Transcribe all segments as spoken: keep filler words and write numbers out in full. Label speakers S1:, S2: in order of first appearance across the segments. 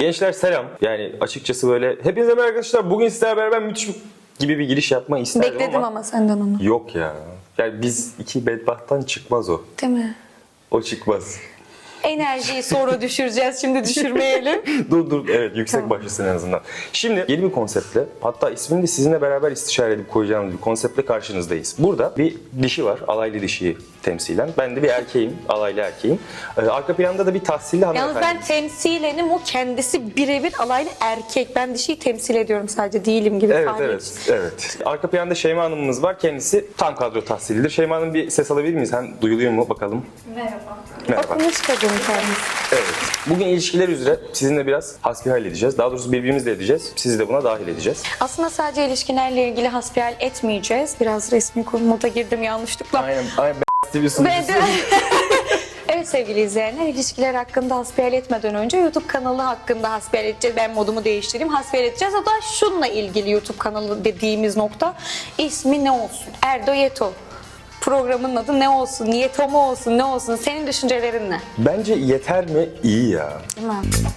S1: Gençler selam. Yani açıkçası böyle hepinize merhaba arkadaşlar. Bugün sizlerle beraber müthiş gibi bir giriş yapmayı isterdim
S2: Bekledim
S1: ama.
S2: ama senden onu.
S1: Yok ya. Yani biz iki bedbahttan çıkmaz o.
S2: Değil mi?
S1: O çıkmaz.
S2: Enerjiyi sonra düşüreceğiz. Şimdi düşürmeyelim.
S1: dur dur evet yüksek
S2: Tamam.
S1: başlasın en azından. Şimdi yeni bir konseptle, hatta ismini de sizinle beraber istişare edip koyacağımız bir konseptle karşınızdayız. Burada bir dişi var, alaylı dişiyi temsilen. Ben de bir erkeğim, alaylı erkeğim. Ee, arka planda da bir tahsilli
S2: Yalnız
S1: hanımefendi.
S2: ben temsilenim, o kendisi birebir alaylı erkek. Ben dişiyi temsil ediyorum sadece, değilim gibi.
S1: Evet,
S2: tahmin
S1: evet,
S2: için.
S1: evet. Arka planda Şeyma Hanım'ımız var. Kendisi tam kadro tahsilidir. Şeyma Hanım bir ses alabilir miyiz? Hem duyuluyor mu bakalım?
S3: Merhaba.
S1: Merhaba.
S2: Okumuş kadın kendisi.
S1: Evet. Bugün ilişkiler üzere sizinle biraz hasbihal edeceğiz. Daha doğrusu birbirimizle edeceğiz. Sizi de buna dahil edeceğiz.
S2: Aslında sadece ilişkilerle ilgili hasbihal etmeyeceğiz. Biraz resmi konumuza girdim yanlışlıkla.
S1: Aynen. Aynen. Ben bir
S2: Ben de... Evet sevgili izleyenler, ilişkiler hakkında hasbihal etmeden önce YouTube kanalı hakkında hasbihal edeceğiz. Ben modumu değiştireyim, hasbihal edeceğiz. O da şununla ilgili YouTube kanalı dediğimiz nokta. İsmi ne olsun? Erdo Yeto. Programın adı ne olsun? Yeto mu olsun? Ne olsun? Senin düşüncelerin ne?
S1: Bence yeter mi? İyi ya.
S2: Değil mi?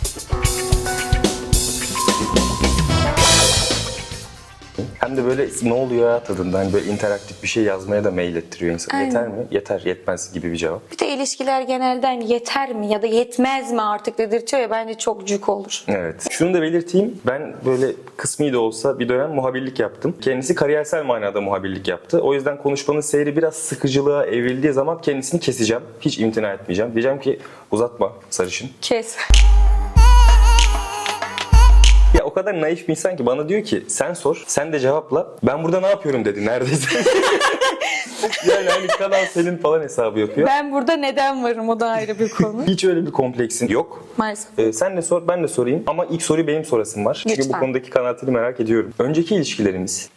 S1: Hem de böyle ne oluyor ya tadında. Hani böyle interaktif bir şey yazmaya da mail ettiriyor insan.
S2: Aynen.
S1: Yeter mi? Yeter, yetmez gibi bir cevap.
S2: Bir de ilişkiler genelden yeter mi ya da yetmez mi artık dedirtiyor ya, bence çok cük olur.
S1: Evet. Şunu da belirteyim. Ben böyle kısmi de olsa bir dönem muhabirlik yaptım. Kendisi kariyersel manada muhabirlik yaptı. O yüzden konuşmanın seyri biraz sıkıcılığa evrildiği zaman kendisini keseceğim. Hiç imtina etmeyeceğim. Diyeceğim ki uzatma sarışın.
S2: Kes.
S1: Ya o kadar naif bir insan ki bana diyor ki sen sor, sen de cevapla. Ben burada ne yapıyorum dedi neredeyse. Yani hani kanal senin falan hesabı yapıyor.
S2: Ben burada neden varım, o da ayrı bir konu.
S1: Hiç öyle bir kompleksin yok.
S2: Maalesef.
S1: Ee, sen de sor, ben de sorayım. Ama ilk soruyu benim sorasım var. Çünkü
S2: Lütfen.
S1: bu konudaki kanaatini merak ediyorum. Önceki ilişkilerimiz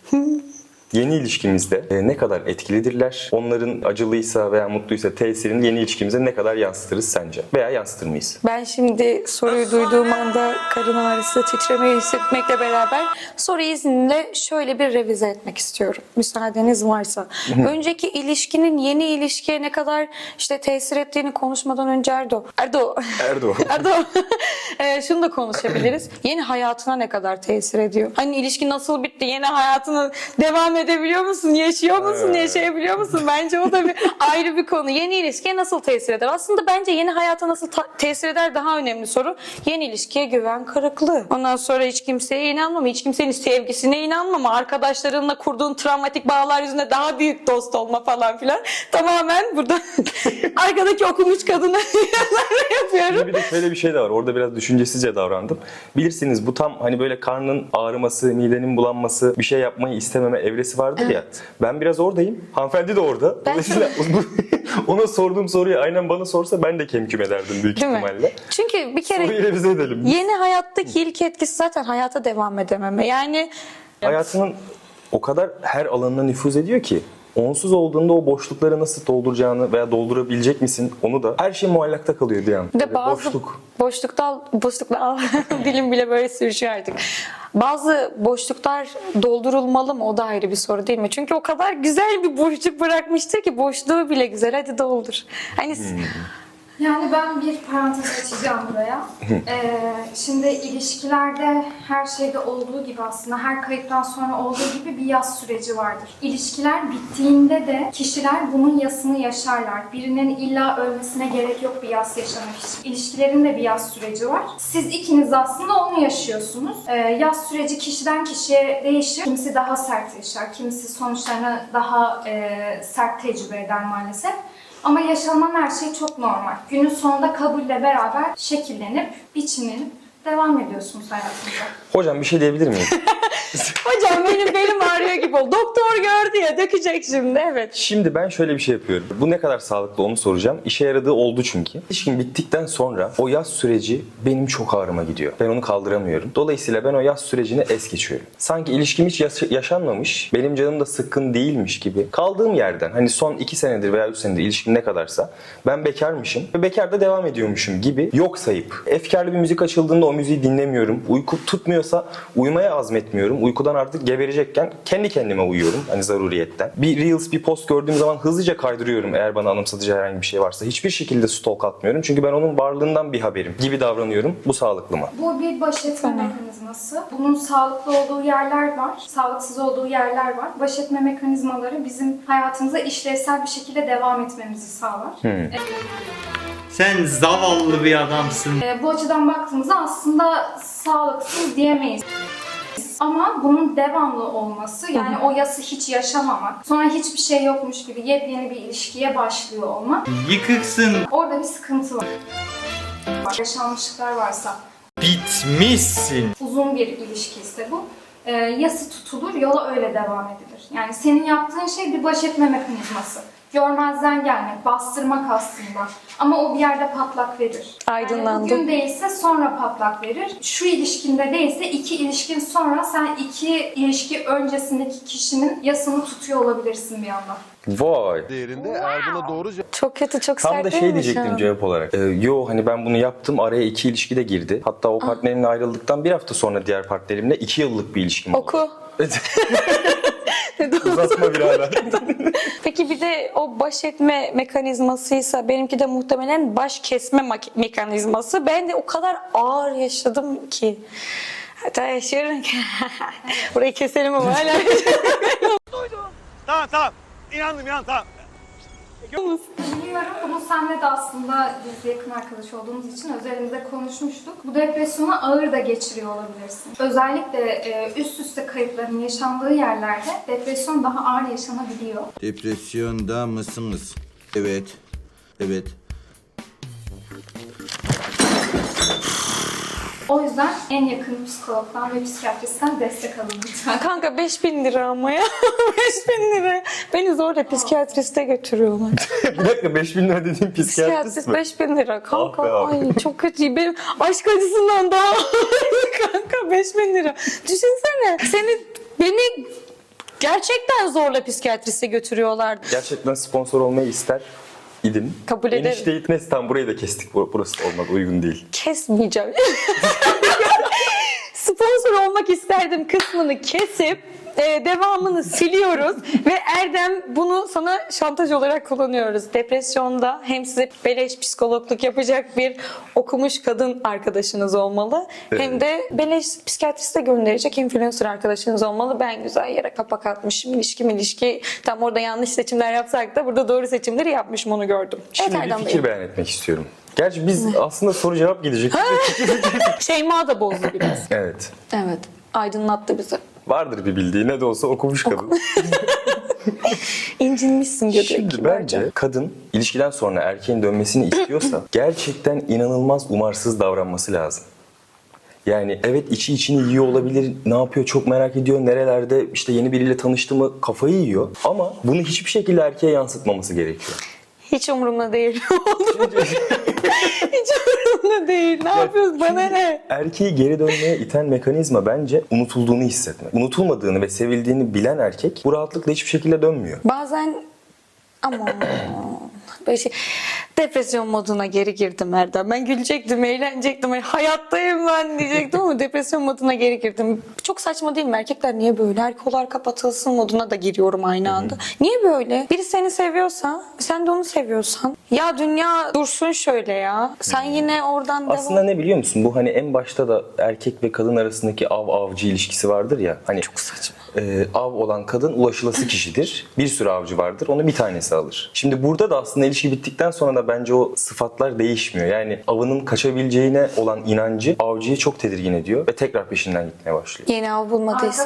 S1: yeni ilişkimizde e, ne kadar etkilidirler? Onların acılıysa veya mutluysa tesirini yeni ilişkimize ne kadar yansıtırız sence? Veya yansıtır mıyız?
S2: Ben şimdi soruyu duyduğum anda karın ağrısı, titremeyi hissetmekle beraber soruyu izninle şöyle bir revize etmek istiyorum. Müsaadeniz varsa. Önceki ilişkinin yeni ilişkiye ne kadar işte tesir ettiğini konuşmadan önce Erdo. Erdo.
S1: Erdo.
S2: Erdo. e, şunu da konuşabiliriz. Yeni hayatına ne kadar tesir ediyor? Hani ilişki nasıl bitti? Yeni hayatını devam edebiliyor musun? Yaşıyor musun?
S1: Evet.
S2: Yaşayabiliyor musun? Bence o da bir ayrı bir konu. Yeni ilişkiye nasıl tesir eder? Aslında bence yeni hayata nasıl ta- tesir eder daha önemli soru. Yeni ilişkiye güven kırıklığı. Ondan sonra hiç kimseye inanmama, hiç kimsenin sevgisine inanmama, arkadaşlarınla kurduğun travmatik bağlar yüzünden daha büyük dost olma falan filan. Tamamen burada arkadaki okumuş kadına yapıyorum.
S1: Şimdi bir de şöyle bir şey de var. Orada biraz düşüncesizce davrandım. Bilirsiniz bu tam hani böyle karnın ağrıması, midenin bulanması, bir şey yapmayı istememe evresi vardır ya. Ben biraz oradayım. Hanımefendi de orada.
S2: Ben
S1: Dolayısıyla ona sorduğum soruyu aynen bana sorsa ben de kemküm ederdim büyük
S2: Değil mi?
S1: ihtimalle.
S2: Çünkü bir kere
S1: Soruyu revize edelim.
S2: yeni hayattaki ilk etkisi zaten hayata devam edememe. Yani
S1: Hayatının o kadar her alanına nüfuz ediyor ki onsuz olduğunda o boşlukları nasıl dolduracağını veya doldurabilecek misin onu da her şey muallakta kalıyor bir an.
S2: bir de
S1: Böyle
S2: bazı
S1: boşluk.
S2: boşlukta boşlukta dilim bile böyle sürüşüyor artık. Bazı boşluklar doldurulmalı mı? O da ayrı bir soru değil mi? Çünkü o kadar güzel bir boşluk bırakmıştır ki boşluğu bile güzel. Hadi doldur. Hani
S3: Yani ben bir parantez açacağım buraya. Ee, şimdi ilişkilerde her şeyde olduğu gibi aslında her kayıptan sonra olduğu gibi bir yas süreci vardır. İlişkiler bittiğinde de kişiler bunun yasını yaşarlar. Birinin illa ölmesine gerek yok bir yas yaşamak için. İlişkilerin de bir yas süreci var. Siz ikiniz aslında onu yaşıyorsunuz. Ee, yas süreci kişiden kişiye değişir. Kimisi daha sert yaşar, kimisi sonuçlarını daha e, sert tecrübe eder maalesef. Ama yaşanan her şey çok normal. Günün sonunda kabulle beraber şekillenip, biçimlenip devam ediyorsunuz hayatınıza.
S1: Hocam bir şey diyebilir miyim?
S2: hocam benim belim ağrıyor gibi oldu. Doktor gördü ya, dökecek şimdi. Evet.
S1: Şimdi ben şöyle bir şey yapıyorum. Bu ne kadar sağlıklı onu soracağım. İşe yaradığı oldu çünkü. İlişkin bittikten sonra o yaz süreci benim çok ağrıma gidiyor. Ben onu kaldıramıyorum. Dolayısıyla ben o yaz sürecini es geçiyorum. Sanki ilişkim hiç yaş- yaşanmamış, benim canım da sıkkın değilmiş gibi. Kaldığım yerden hani son iki senedir veya üç senedir ilişkim ne kadarsa ben bekarmışım ve bekar da devam ediyormuşum gibi yok sayıp efkarlı bir müzik açıldığında o o müziği dinlemiyorum. Uyku tutmuyorsa uyumaya azmetmiyorum. Uykudan artık geberecekken kendi kendime uyuyorum. Hani zaruriyetten. Bir Reels, bir post gördüğüm zaman hızlıca kaydırıyorum eğer bana anımsatıcı herhangi bir şey varsa. Hiçbir şekilde stalk atmıyorum. Çünkü ben onun varlığından bir haberim gibi davranıyorum. Bu sağlıklı mı?
S3: Bu bir baş etme mekanizması. Bunun sağlıklı olduğu yerler var, sağlıksız olduğu yerler var. Baş etme mekanizmaları bizim hayatımıza işlevsel bir şekilde devam etmemizi sağlar.
S1: Hmm.
S4: Sen zavallı bir adamsın.
S3: E, bu açıdan baktığımızda aslında sağlıksız diyemeyiz. Ama bunun devamlı olması, yani o yası hiç yaşamamak, sonra hiçbir şey yokmuş gibi yepyeni bir ilişkiye başlıyor olmak,
S4: Yıkıksın.
S3: orada bir sıkıntı var. Yaşanmışlıklar varsa,
S4: Bitmişsin.
S3: uzun bir ilişki ise bu, e, yası tutulur, yola öyle devam edilir. Yani senin yaptığın şey bir baş etme mekanizması. Görmezden gelmek, bastırmak aslında. Ama o bir yerde patlak verir.
S2: Aydınlandım.
S3: Yani bugün değilse sonra patlak verir. Şu ilişkinde değilse iki ilişkin sonra sen iki ilişki öncesindeki kişinin yasını tutuyor olabilirsin bir anda.
S1: Vay.
S5: değerinde eğer buna doğru
S2: Çok kötü, çok
S1: Tam
S2: sert
S1: da
S2: değil
S1: şey
S2: mi şu
S1: diyecektim
S2: an?
S1: cevap olarak. Ee, yo hani ben bunu yaptım, araya iki ilişki de girdi. Hatta o partnerimle ayrıldıktan bir hafta sonra diğer partnerimle iki yıllık bir ilişkim oldu.
S2: Oku.
S1: Uzatma birader.
S2: Peki bir de o baş etme mekanizmasıysa benimki de muhtemelen baş kesme mak- mekanizması. Ben de o kadar ağır yaşadım ki. Hatta yaşıyorum ki. Burayı keselim ama hala.
S6: Tamam tamam. İnandım inandım tamam.
S3: Biliyorum, bunu seninle de aslında biz yakın arkadaş olduğumuz için özelinde konuşmuştuk. Bu depresyonu ağır da geçiriyor olabilirsin. Özellikle e, üst üste kayıpların yaşandığı yerlerde depresyon daha ağır yaşanabiliyor.
S5: Depresyonda mısınız? Evet. Evet.
S3: O yüzden en yakın psikologdan ve psikiyatristten destek alın lütfen.
S2: Kanka beş bin lira ama ya. beş bin lira. Beni zorla psikiyatriste götürüyorlar.
S1: Bir dakika, beş bin lira dediğin psikiyatrist
S2: Psikiyatrist
S1: mi?
S2: beş bin lira. Kanka
S1: Ah be abi.
S2: ay çok kötü. Benim aşk acısından daha kanka beş bin lira. Düşünsene seni beni gerçekten zorla psikiyatriste götürüyorlar.
S1: Gerçekten sponsor olmayı ister idim.
S2: Kabul ederim.
S1: Enişteyi neyse tamam, burayı da kestik. Bur- Burası olmadı, uygun değil.
S2: Kesmeyeceğim. Sponsor olmak isterdim kısmını kesip e, devamını siliyoruz ve Erdem bunu sana şantaj olarak kullanıyoruz. Depresyonda hem size beleş psikologluk yapacak bir okumuş kadın arkadaşınız olmalı. Hem de beleş psikiyatriste gönderecek influencer arkadaşınız olmalı. Ben güzel yere kapak atmışım. İlişki ilişki tam orada yanlış seçimler yapsak da burada doğru seçimleri yapmışım, onu gördüm.
S1: Şimdi
S2: Evet
S1: bir
S2: Erdem
S1: fikir
S2: Bey.
S1: beyan etmek istiyorum. Gerçi biz aslında soru cevap gidecek.
S2: Şeyma da bozdu biraz.
S1: Evet.
S2: Evet. Aydınlattı bizi.
S1: Vardır bir bildiği, ne de olsa okumuş kadın.
S2: İncinmişsin göbek.
S1: Şimdi
S2: kibarca.
S1: bence kadın ilişkiden sonra erkeğin dönmesini istiyorsa gerçekten inanılmaz umarsız davranması lazım. Yani evet, içi içini yiyor olabilir, ne yapıyor çok merak ediyor, nerelerde işte yeni biriyle tanıştı mı kafayı yiyor. Ama bunu hiçbir şekilde erkeğe yansıtmaması gerekiyor.
S2: Hiç umurumda değil. Hiç umurumda değil. Ne yapıyorsun? Bana ne?
S1: Erkeği geri dönmeye iten mekanizma bence unutulduğunu hissetmek. Unutulmadığını ve sevildiğini bilen erkek bu rahatlıkla hiçbir şekilde dönmüyor.
S2: Bazen ama böyle şey, depresyon moduna geri girdim Erdem. Ben gülecektim, eğlenecektim. Hani hayattayım ben diyecektim ama depresyon moduna geri girdim. Çok saçma değil mi? Erkekler niye böyle? Erkolar kapatılsın moduna da giriyorum aynı anda. Niye böyle? Biri seni seviyorsa, sen de onu seviyorsan. Ya dünya dursun şöyle ya. Sen yine oradan
S1: Aslında
S2: devam.
S1: ne biliyor musun? Bu hani en başta da erkek ve kadın arasındaki av-avcı ilişkisi vardır ya. Hani
S2: Çok saçma.
S1: e, av olan kadın ulaşılası kişidir. Bir sürü avcı vardır. Onu bir tanesi alır. Şimdi burada da aslında ilişki bittikten sonra da bence o sıfatlar değişmiyor. Yani avının kaçabileceğine olan inancı avcıyı çok tedirgin ediyor ve tekrar peşinden gitmeye başlıyor.
S2: Yeni av bulmadıysa.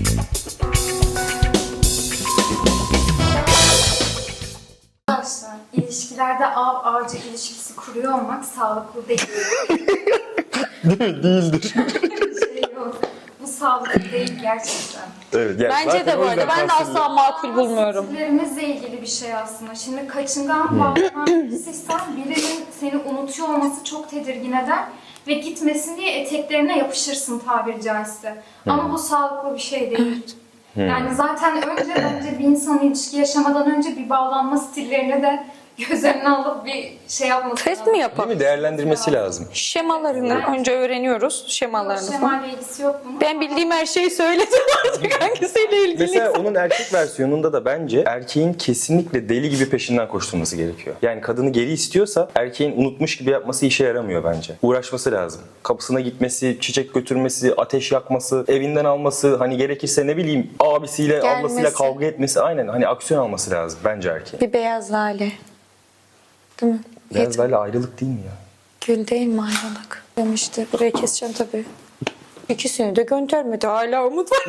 S3: Arkadaşlar, ilişkilerde av ağacı ilişkisi kuruyor olmak sağlıklı değil.
S1: Değil mi? Değildir.
S3: Şey yok. Bu sağlıklı değil gerçekten.
S1: Evet, yani
S2: Bence
S1: zaten
S2: de bu
S1: o
S2: arada.
S1: yüzden
S2: Ben de
S1: bahsediyorum.
S2: asla makul bulmuyorum.
S3: Stillerimizle ilgili bir şey aslında. Şimdi kaçıngan bağlanan birisiysen birinin seni unutuyor olması çok tedirgin eder ve gitmesin diye eteklerine yapışırsın tabiri caizse. Ama bu sağlıklı bir şey değil. Yani zaten önce bence bir insan ilişki yaşamadan önce bir bağlanma stillerine de göz önüne alıp bir şey yapması
S2: Test
S3: lazım.
S2: mi
S1: Değil
S2: yapalım?
S1: mi? Değerlendirmesi lazım.
S2: Şemalarını önce öğreniyoruz.
S3: Yok,
S2: Şemalarını falan.
S3: şemayla ilgisi yok bunun.
S2: Ben bildiğim her şeyi söyledim artık hangisiyle ilgili.
S1: Mesela onun erkek versiyonunda da bence erkeğin kesinlikle deli gibi peşinden koşturması gerekiyor. Yani kadını geri istiyorsa erkeğin unutmuş gibi yapması işe yaramıyor bence. Uğraşması lazım. Kapısına gitmesi, çiçek götürmesi, ateş yakması, evinden alması, hani gerekirse ne bileyim abisiyle,
S2: Gelmesi.
S1: ablasıyla kavga etmesi, aynen hani aksiyon alması lazım bence erkeğin.
S2: Bir beyaz lale. Değil mi?
S1: Biraz böyle ayrılık değil mi ya?
S2: Gül değil mi ayrılık? Demişti. Burayı keseceğim tabii. İkisini de göndermedi. Hala umut var.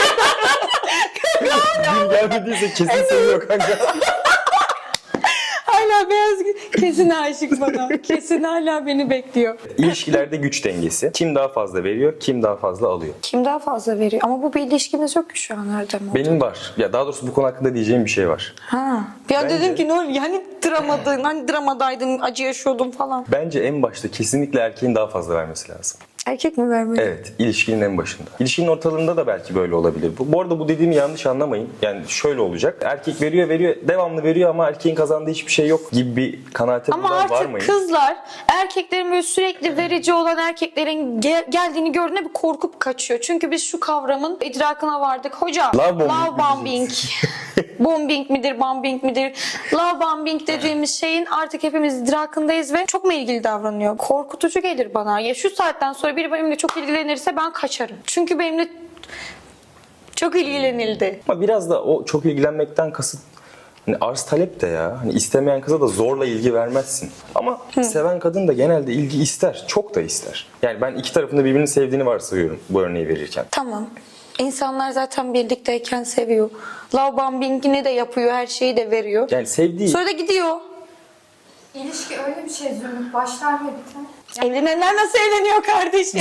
S1: Gül gelmediyse kesin seviyor kanka.
S2: Hala beyaz gül. Kesin aşık bana. Kesin hala beni bekliyor.
S1: İlişkilerde güç dengesi. Kim daha fazla veriyor, kim daha fazla alıyor.
S2: Kim daha fazla veriyor? Ama bu bir ilişkimiz yok ki şu an Erdem oldu.
S1: Benim var. Ya daha doğrusu bu konu hakkında diyeceğim bir şey var.
S2: Ha. Ya
S1: Bence-
S2: dedim ki ne oluyor? Hani dramadın, hani dramadaydın, acı yaşıyordun falan.
S1: Bence en başta kesinlikle erkeğin daha fazla vermesi lazım.
S2: Erkek mi vermeli?
S1: Evet, ilişkinin en başında. İlişkinin ortalığında da belki böyle olabilir. Bu, bu arada bu dediğimi yanlış anlamayın. Yani şöyle olacak. Erkek veriyor, veriyor, devamlı veriyor ama erkeğin kazandığı hiçbir şey yok gibi bir kanaate
S2: Ama
S1: buradan
S2: artık
S1: varmayın.
S2: kızlar erkeklerin böyle sürekli verici olan erkeklerin gel- geldiğini gördüğünde bir korkup kaçıyor. Çünkü biz şu kavramın idrakına vardık. Hocam
S1: Love bombing
S2: love
S1: mi
S2: bombing. Bombing midir, bombing midir? Love bombing dediğimiz şeyin artık hepimiz idrakındayız ve çok mu ilgili davranıyor? Korkutucu gelir bana. Ya şu saatten sonra biri benimle çok ilgilenirse ben kaçarım. Çünkü benimle çok ilgilenildi.
S1: Ama biraz da o çok ilgilenmekten kasıt hani arz talep de ya. Hani istemeyen kıza da zorla ilgi vermezsin. Ama seven kadın da genelde ilgi ister. Çok da ister. Yani ben iki tarafında birbirini sevdiğini varsayıyorum bu örneği verirken.
S2: Tamam. İnsanlar zaten birlikteyken seviyor. Love bombing'ini de yapıyor, her şeyi de veriyor.
S1: Yani sevdiği...
S2: Sonra da gidiyor.
S3: İlişki öyle bir şey Zümrüt. Başlar ve biter.
S2: Evlenenler nasıl evleniyor kardeşim?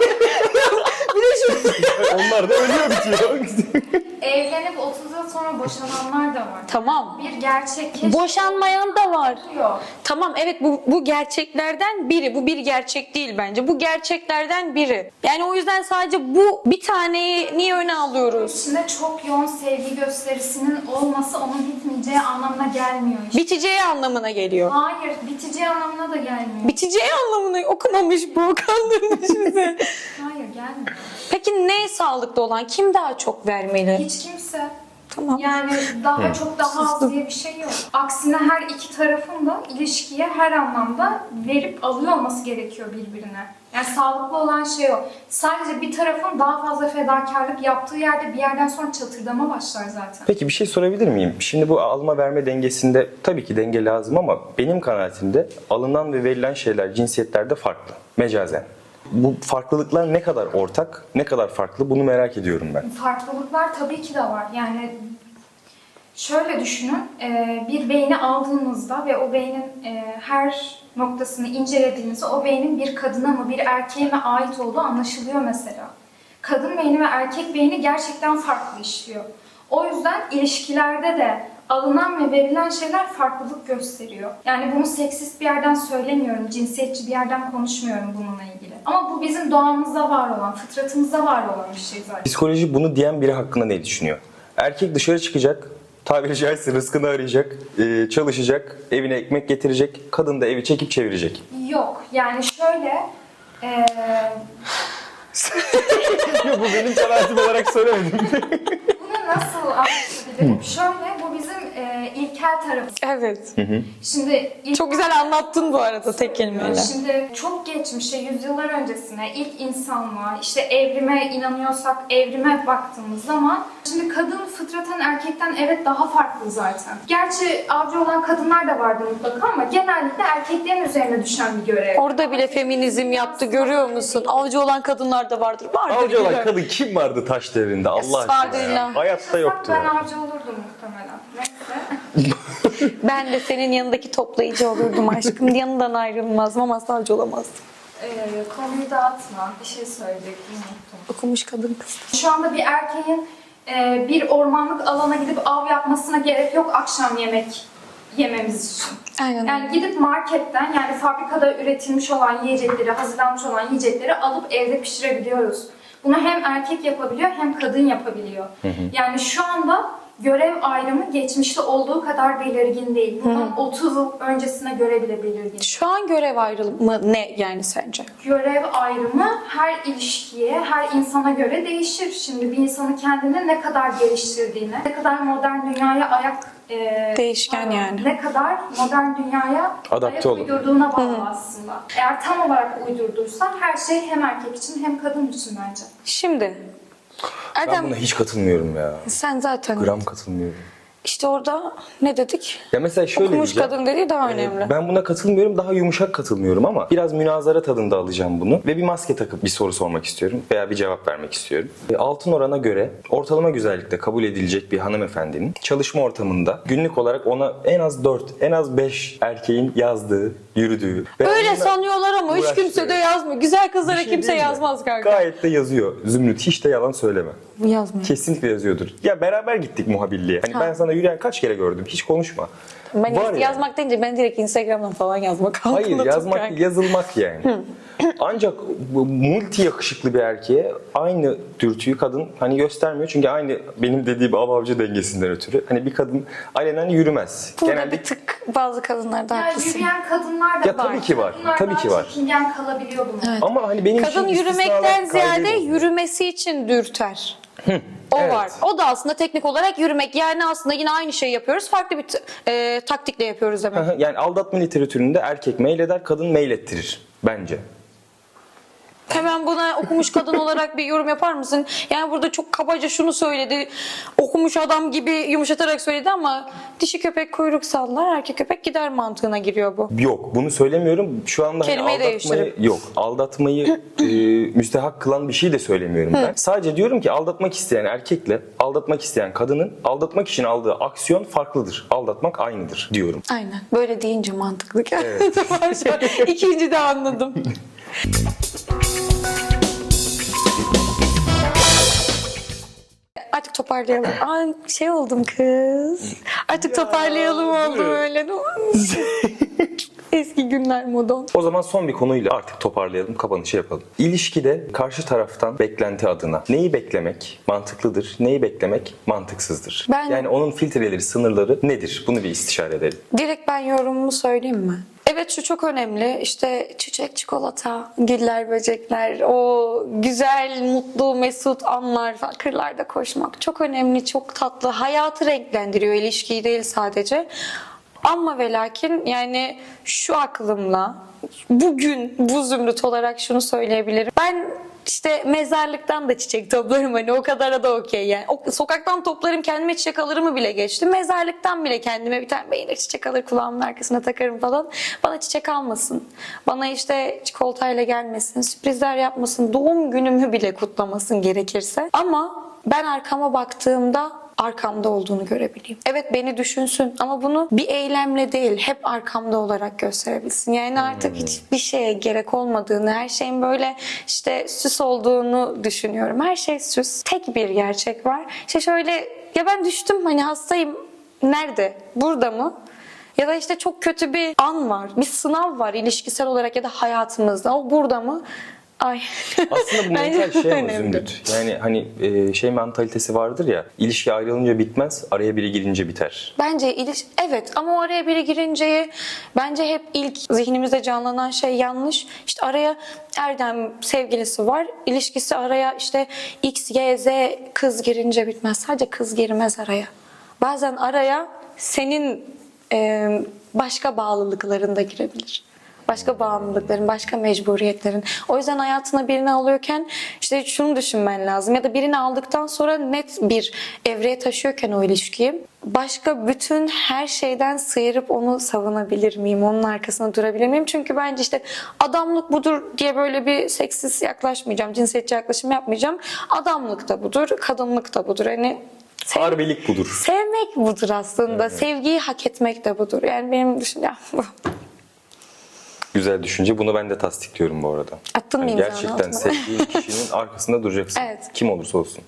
S2: Bir de şu...
S1: Onlar da ölüyor bitiyor.
S3: Evlenip otuz yıl sonra boşananlar da var.
S2: Tamam.
S3: Bir gerçek keşke
S2: Boşanmayan da var.
S3: oluyor.
S2: Tamam evet bu, bu gerçeklerden biri. Bu bir gerçek değil bence. Bu gerçeklerden biri. Yani o yüzden sadece bu bir taneyi niye öne alıyoruz?
S3: İçinde çok yoğun sevgi gösterisinin olması onun bitmeyeceği anlamına gelmiyor işte.
S2: Biteceği anlamına geliyor.
S3: Hayır, biteceği anlamına da gelmiyor.
S2: Biteceği anlamına okumamış bu, kandırmış bizi.
S3: Hayır, gelmiyor.
S2: Peki ne sağlıklı olan? Kim daha çok vermeli?
S3: Hiç kimse.
S2: Tamam.
S3: Yani daha çok daha az diye bir şey yok. Aksine her iki tarafın da ilişkiye her anlamda verip alıyor olması gerekiyor birbirine. Yani sağlıklı olan şey o. Sadece bir tarafın daha fazla fedakarlık yaptığı yerde bir yerden sonra çatırdama başlar zaten.
S1: Peki bir şey sorabilir miyim? Şimdi bu alma verme dengesinde tabii ki denge lazım ama benim kanaatimde alınan ve verilen şeyler cinsiyetlerde farklı. Mecazen. Bu farklılıklar ne kadar ortak, ne kadar farklı bunu merak ediyorum ben.
S3: Farklılıklar tabii ki de var. Yani şöyle düşünün, e, bir beyni aldığınızda ve o beynin e, her noktasını incelediğinizde o beynin bir kadına mı bir erkeğe mi ait olduğu anlaşılıyor mesela. Kadın beyni ve erkek beyni gerçekten farklı işliyor. O yüzden ilişkilerde de alınan ve verilen şeyler farklılık gösteriyor. Yani bunu seksist bir yerden söylemiyorum, cinsiyetçi bir yerden konuşmuyorum bununla ilgili. Ama bu bizim doğamızda var olan, fıtratımızda var olan bir şey zaten.
S1: Psikoloji bunu diyen biri hakkında ne düşünüyor? Erkek dışarı çıkacak, tabiri caizse rızkını arayacak, e, çalışacak, evine ekmek getirecek, kadın da evi çekip çevirecek.
S3: Yok, yani şöyle... eee
S1: Yok bu benim kanaatim olarak söylemedim.
S3: Bunu nasıl anlatabilirim? Şöyle, bu bizim e, ilkel tarafımız.
S2: Evet.
S3: Şimdi ilk,
S2: Çok güzel anlattın bu arada tek kelimeyle.
S3: Şimdi çok geçmişe, yüzyıllar öncesine, ilk insanlığa, işte evrime inanıyorsak evrime baktığımız zaman şimdi kadın fıtraten erkekten evet daha farklı zaten. Gerçi avcı olan kadınlar da vardı mutlaka ama genellikle erkeklerin üzerine düşen bir görev.
S2: Orada bile feminizm yaptı, görüyor musun? Avcı olan kadınlar da vardır. Vardır.
S1: Avcı olan
S2: biliyorum.
S1: kadın kim vardı taş devrinde Allah aşkına ya?
S2: Estağfirullah.
S1: Hayatta yoktu
S3: Ben
S1: ya.
S3: avcı olurdum muhtemelen. Neyse.
S2: Ben de senin yanındaki toplayıcı olurdum aşkım. Yanından ayrılmazdım ama savcı olamazdım.
S3: Ee, konuyu dağıtma. Bir şey söyleyecektim, unuttum.
S2: Okumuş kadın kız.
S3: Şu anda bir erkeğin e, bir ormanlık alana gidip av yapmasına gerek yok akşam yemek yememiz için.
S2: Aynen.
S3: Yani gidip marketten yani fabrikada üretilmiş olan yiyecekleri, hazırlanmış olan yiyecekleri alıp evde pişirebiliyoruz. Bunu hem erkek yapabiliyor hem kadın yapabiliyor. Yani şu anda görev ayrımı geçmişte olduğu kadar belirgin değil. Bundan otuz yıl öncesine göre bile belirgin.
S2: Şu an görev ayrımı ne yani sence?
S3: Görev ayrımı her ilişkiye, her insana göre değişir. Şimdi bir insanın kendini ne kadar geliştirdiğine, ne kadar modern dünyaya ayak e,
S2: Değişken
S3: pardon,
S2: yani.
S3: ne kadar modern dünyaya
S1: Adapte
S3: ayak
S1: olun.
S3: uydurduğuna bağlı aslında. Eğer tam olarak uydurduysa her şey hem erkek için hem kadın için bence.
S2: Şimdi
S1: Ben
S2: Erdem
S1: buna hiç katılmıyorum ya.
S2: sen zaten
S1: Gram katılmıyorum.
S2: işte orada ne dedik?
S1: Ya mesela şöyle
S2: Okumuş
S1: diyeceğim.
S2: kadın dediği daha
S1: Ee,
S2: önemli.
S1: Ben buna katılmıyorum. Daha yumuşak katılmıyorum ama biraz münazara tadında alacağım bunu. Ve bir maske takıp bir soru sormak istiyorum. Veya bir cevap vermek istiyorum. E, Altın orana göre ortalama güzellikte kabul edilecek bir hanımefendinin çalışma ortamında günlük olarak ona en az dört, en az beş erkeğin yazdığı, yürüdüğü. ve
S2: Öyle
S1: onunla
S2: sanıyorlar ama hiç
S1: uğraştığı-
S2: kimse de yazmıyor. Güzel kızlara
S1: Bir şey
S2: kimse
S1: değil mi?
S2: yazmaz kanka.
S1: Gayet de yazıyor. Zümrüt hiç de yalan söyleme.
S2: Yazmıyor.
S1: Kesinlikle yazıyordur. Ya beraber gittik muhabirliğe. Hani
S2: Ha.
S1: ben sana yürüyen kaç kere gördüm. Hiç konuşma.
S2: Ben
S1: Var
S2: yazmak
S1: yani.
S2: yazmak deyince ben direkt Instagram'dan falan yazmak.
S1: Hayır,
S2: aklımda
S1: yazmak
S2: tutar.
S1: değil, yazılmak yani. Ancak bu multi yakışıklı bir erkeğe aynı dürtüyü kadın hani göstermiyor. Çünkü aynı benim dediğim av-avcı dengesinden ötürü. Hani bir kadın alenen yürümez.
S2: Burada
S1: Genelde
S2: bir tık bazı kadınlarda
S3: Yani
S2: haklısın.
S3: yürüyen kadınlar da
S1: Ya tabii ki var,
S3: Kadınlar
S1: tabii
S3: daha
S1: ki var.
S3: çekingen kalabiliyor bunlar.
S1: ama hani benim için
S2: Kadın yürümekten
S1: istisnalar
S2: ziyade
S1: kaideyi bozuyor.
S2: yürümesi için dürter. O
S1: evet.
S2: var. O da aslında teknik olarak yürümek. Yani aslında yine aynı şeyi yapıyoruz. Farklı bir t- e, taktikle yapıyoruz demek.
S1: Yani aldatma literatüründe erkek meyleder, kadın meylettirir bence.
S2: Hemen buna okumuş kadın olarak bir yorum yapar mısın? Yani burada çok kabaca şunu söyledi. Okumuş adam gibi yumuşatarak söyledi ama dişi köpek kuyruk sallar, erkek köpek gider mantığına giriyor bu.
S1: Yok, bunu söylemiyorum. Şu anda hani
S2: Kelimeyi
S1: aldatmayı
S2: değiştirip.
S1: yok. Aldatmayı e, müstehak kılan bir şey de söylemiyorum ben. Sadece diyorum ki aldatmak isteyen erkekle aldatmak isteyen kadının aldatmak için aldığı aksiyon farklıdır. Aldatmak aynıdır diyorum.
S2: Aynen. Böyle deyince mantıklı. Tamam, şu an İkinci de anladım. Artık toparlayalım. Aa, şey oldum kız. Artık toparlayalım oldu böyle. Eski günler modon.
S1: O zaman son bir konuyla artık toparlayalım, kapanışı yapalım. İlişkide karşı taraftan beklenti adına neyi beklemek mantıklıdır, neyi beklemek mantıksızdır?
S2: Ben-
S1: Yani onun filtreleri, sınırları nedir? Bunu bir istişare edelim.
S2: Direkt ben yorumumu söyleyeyim mi? Evet, şu çok önemli. İşte çiçek, çikolata, güller, böcekler, o güzel, mutlu, mesut anlar, falan, kırlarda koşmak çok önemli, çok tatlı. Hayatı renklendiriyor, ilişkiyi değil sadece. Ama ve lakin yani şu aklımla bugün bu zümrüt olarak şunu söyleyebilirim. Ben işte mezarlıktan da çiçek toplarım, hani o kadara da okey yani. O, sokaktan toplarım, kendime çiçek alırımı bile geçtim. Mezarlıktan bile kendime bir tane beğenir çiçek alır, kulağımın arkasına takarım falan. Bana çiçek almasın. Bana işte çikolatayla gelmesin, sürprizler yapmasın, doğum günümü bile kutlamasın gerekirse. Ama ben arkama baktığımda arkamda olduğunu görebileyim. Evet, beni düşünsün ama bunu bir eylemle değil, hep arkamda olarak gösterebilsin. Yani artık hiçbir şeye gerek olmadığını, her şeyin böyle işte süs olduğunu düşünüyorum. Her şey süs. Tek bir gerçek var. İşte şöyle, ya ben düştüm, hani hastayım. Nerede? Burada mı? Ya da işte çok kötü bir an var, bir sınav var ilişkisel olarak ya da hayatımızda. O burada mı? Ay.
S1: Aslında bu
S2: Bence
S1: mental şey ama
S2: önemli.
S1: Zümrüt. Yani hani e, şey mentalitesi vardır ya, ilişki ayrılınca bitmez, araya biri girince biter.
S2: Bence iliş evet, ama o araya biri girince bence hep ilk zihnimizde canlanan şey yanlış. İşte araya Erdem sevgilisi var. İlişkisi araya işte X, Y, Z kız girince bitmez. Sadece kız girmez araya. Bazen araya senin e, başka bağlılıkların da girebilir. Başka bağımlılıkların, başka mecburiyetlerin. O yüzden hayatına birini alıyorken işte şunu düşünmen lazım. Ya da birini aldıktan sonra net bir evreye taşıyorken o ilişkiyi, başka bütün her şeyden sıyırıp onu savunabilir miyim? Onun arkasında durabilir miyim? Çünkü bence işte adamlık budur diye böyle bir seksist yaklaşmayacağım. Cinsiyetçi yaklaşım yapmayacağım. Adamlık da budur, kadınlık da budur. Hani sev-
S1: Harbilik budur.
S2: sevmek budur aslında. Sevgiyi hak etmek de budur. Yani benim düşüncem bu.
S1: Güzel düşünce. Bunu ben de tasdikliyorum bu arada.
S2: Attın mı
S1: Yani
S2: imzanı
S1: gerçekten
S2: altına?
S1: sevdiğin kişinin arkasında duracaksın.
S2: Evet.
S1: Kim olursa olsun.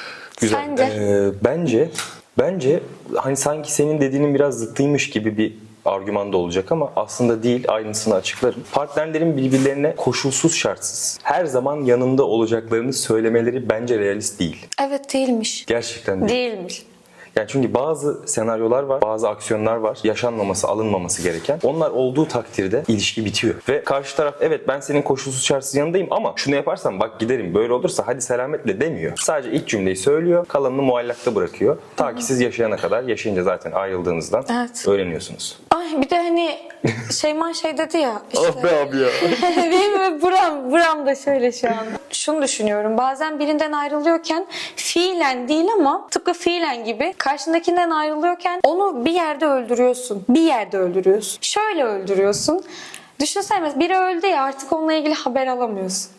S1: Güzel.
S2: Sence?
S1: Ee, bence bence hani sanki senin dediğinin biraz zıttıymış gibi bir argüman da olacak ama aslında değil, aynısını açıklarım. Partnerlerin birbirlerine koşulsuz şartsız her zaman yanında olacaklarını söylemeleri bence realist değil.
S2: Evet, değilmiş.
S1: Gerçekten değil.
S2: Değilmiş.
S1: Yani çünkü bazı senaryolar var, bazı aksiyonlar var, yaşanmaması, alınmaması gereken. Onlar olduğu takdirde ilişki bitiyor. Ve karşı taraf evet ben senin koşulsuz şartsız yanındayım ama şunu yaparsan bak giderim, böyle olursa hadi selametle demiyor. Sadece ilk cümleyi söylüyor, kalanını muallakta bırakıyor. Ta ki siz yaşayana kadar, yaşayınca zaten ayrıldığınızdan
S2: Evet.
S1: öğreniyorsunuz.
S2: Ay bir de hani Şeyma şey dedi ya işte.
S1: Ah be abi ya.
S2: Benim ve buram, buram da şöyle şu an. Şunu düşünüyorum. Bazen birinden ayrılıyorken fiilen değil ama tıpkı fiilen gibi karşındakinden ayrılıyorken onu bir yerde öldürüyorsun. Bir yerde öldürüyorsun. Şöyle öldürüyorsun. Düşünsene mesela biri öldü ya artık onunla ilgili haber alamıyorsun.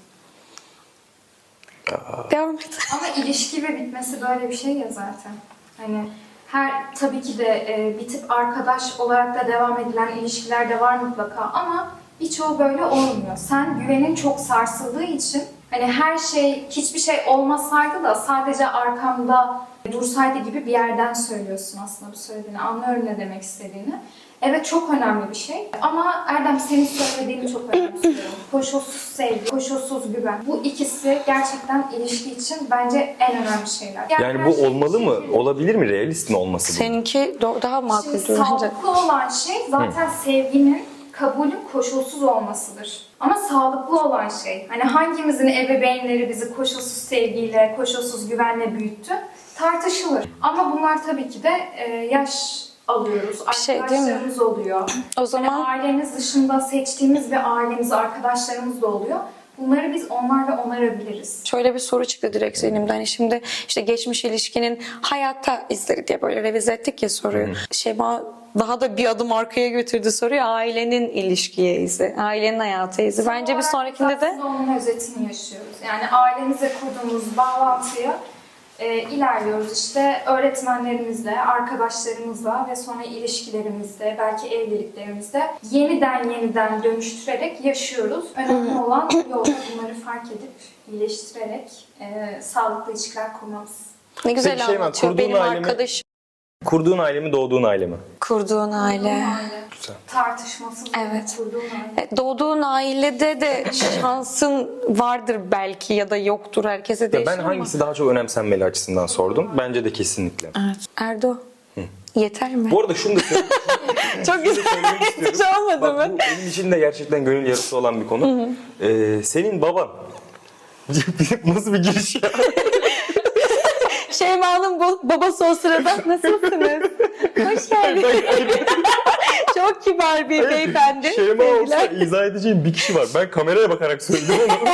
S2: Devam et.
S3: Ama ilişki ve bitmesi böyle bir şey ya zaten. Hani her tabii ki de e, bitip arkadaş olarak da devam edilen ilişkiler de var mutlaka ama birçoğu böyle olmuyor. Sen güvenin çok sarsıldığı için hani her şey, hiçbir şey olmasaydı da sadece arkamda dursaydı gibi bir yerden söylüyorsun aslında bu söylediğini. Anlıyorum ne demek istediğini. Evet çok önemli bir şey ama Erdem senin söylediğini çok önemsiyorum. Koşulsuz sevgi, koşulsuz güven. Bu ikisi gerçekten ilişki için bence en önemli şeyler.
S1: Yani
S3: her
S1: bu
S3: şey
S1: olmalı mı?
S3: şekilde-
S1: Olabilir mi? Realist mi olması bu?
S2: Seninki do- daha makul
S3: Şimdi
S2: bence.
S3: sağlıklı olan şey zaten sevginin, kabulün koşulsuz olmasıdır. Ama sağlıklı olan şey, hani hangimizin ebeveynleri bizi koşulsuz sevgiyle, koşulsuz güvenle büyüttü tartışılır. Ama bunlar tabii ki de e, yaş alıyoruz,
S2: Bir şey değil mi?
S3: arkadaşlarımız oluyor.
S2: O zaman
S3: Hani ailemiz dışında seçtiğimiz bir ailemiz, arkadaşlarımız da oluyor. Bunları biz onlarla onarabiliriz.
S2: şöyle bir soru çıktı direkt zihnimden. Hani şimdi işte geçmiş ilişkinin hayatta izleri diye böyle revize ettik ya soruyu. Şeyma daha da bir adım arkaya götürdü soruyu. Ailenin ilişkiye izi, ailenin hayata izi. Bence bir
S3: Son olarak
S2: sonrakinde
S3: biz
S2: de
S3: aslında onun özetini yaşıyoruz. Yani ailemize kurduğumuz bağlantıyı e, ilerliyoruz. İşte öğretmenlerimizle, arkadaşlarımızla ve sonra ilişkilerimizde, belki evliliklerimizde yeniden yeniden dönüştürerek yaşıyoruz. Önemli olan yolda bunları fark edip iyileştirerek e, sağlıklı ilişkiler kurmamız.
S2: ne güzel
S1: Peki Şeyma,
S2: anlatıyor.
S1: kurduğun
S2: Benim
S1: aile mi?
S2: arkadaşım
S1: Kurduğun aile mi, doğduğun aile mi?
S2: kurduğun aile.
S3: Aile. Tartışmasız
S2: Evet.
S3: kurduğun aile.
S2: E, Doğduğun ailede de şansın vardır belki ya da yoktur. Herkese
S1: Ya
S2: değişir
S1: ben
S2: ama.
S1: hangisi daha çok önemsenmeli açısından sordum. Bence de kesinlikle.
S2: Evet. Erdo. Yeter mi?
S1: Bu arada şunu da söyleyeyim.
S2: Çok güzel. Hiç olmadı
S1: Bak,
S2: mı?
S1: bu benim için de gerçekten gönül yarısı olan bir konu. Ee, senin baban. Nasıl bir giriş ya?
S2: Şeyma'nın bo- babası o sırada nasılsınız? Hoş geldiniz. Çok kibar bir beyefendi.
S1: Şeyma olsa
S2: Sevgiler.
S1: izah edeceğim bir kişi var. Ben kameraya bakarak söyledim onu.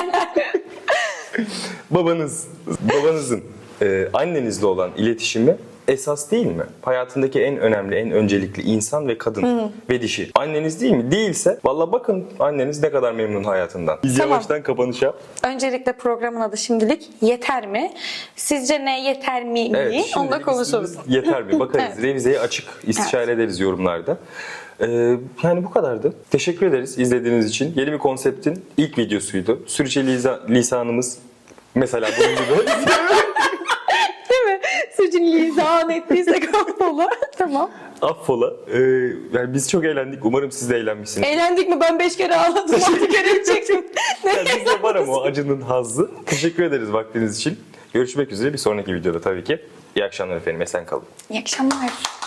S1: Babanız, babanızın e, annenizle olan iletişimi esas değil mi? Hayatındaki en önemli, en öncelikli insan ve kadın ve dişi. Anneniz değil mi? Değilse valla bakın anneniz ne kadar memnun hayatından. Biz
S2: Tamam.
S1: yavaştan kapanış yap.
S2: Öncelikle programın adı şimdilik yeter mi? Sizce ne yeter mi? mi?
S1: Evet,
S2: Onu da
S1: şimdilik
S2: konuşuruz.
S1: üstünüz yeter mi? Bakarız.
S2: Evet.
S1: Revizeye açık. İstişare ederiz yorumlarda. Ee, yani bu kadardı. Teşekkür ederiz izlediğiniz için. Yeni bir konseptin ilk videosuydu. Sürçülisa lisanımız mesela bunun gibi.
S2: Değil mi? Sürçülisan ettiysek affola. Tamam.
S1: Affola. Ee, yani biz çok eğlendik. Umarım siz de eğlenmişsiniz.
S2: Eğlendik mi? Ben beş kere ağladım. Altı kere çektim.
S1: Yani bizde var ama o acının hazzı. Teşekkür ederiz vaktiniz için. Görüşmek üzere bir sonraki videoda tabii ki. İyi akşamlar efendim. Esen kalın.
S2: İyi akşamlar.